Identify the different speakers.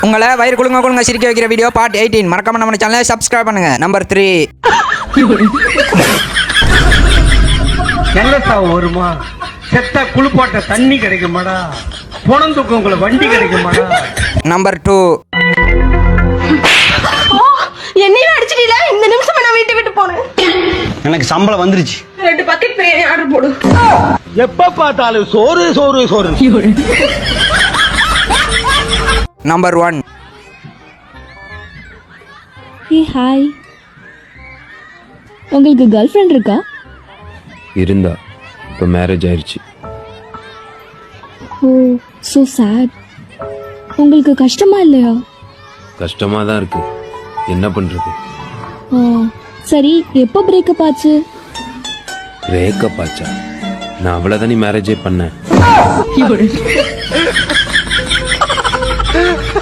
Speaker 1: உங்களை வயிறு குழுங்க சிரிக்க வைக்கிற வீடியோ பார்ட் 18 மறக்காம நம்ம சேனலை சப்ஸ்கிரைப் பண்ணுங்க. நம்பர் 3
Speaker 2: நல்லதா வருமா செத்தா குளிப்பாட்ட தண்ணி கிடைக்குமாடா பொணந்துக்கு உங்களை வண்டி கிடைக்குமாடா.
Speaker 1: நம்பர் 2
Speaker 3: என்னையும் அடிச்சிட்டீல. இந்த நிமிஷம் நான் வீட்டை விட்டு போனேன்.
Speaker 2: எனக்கு சம்பளம் வந்துருச்சு.
Speaker 3: 2 பக்கெட் பிரியாணி ஆர்டர் போடு.
Speaker 2: எப்ப பார்த்தாலும் சோறு சோறு சோறு.
Speaker 1: நம்பர் 1
Speaker 4: ஹே ஹாய், உங்களுக்கு கேர்ள் ஃப்ரெண்ட் இருக்கா?
Speaker 5: இருந்தா இப்போ மேரேஜ் ஆயிடுச்சு.
Speaker 4: Oh so sad. உங்களுக்கு கஷ்டமா இல்லையா?
Speaker 5: கஷ்டமாக தான் இருக்கு, என்ன பண்ணுறது.
Speaker 4: சரி, எப்போ பிரேக்கப் ஆச்சு?
Speaker 5: பிரேக்கப் ஆச்சா? நான் அவ்வளோதானே மேரேஜே பண்ணேன்.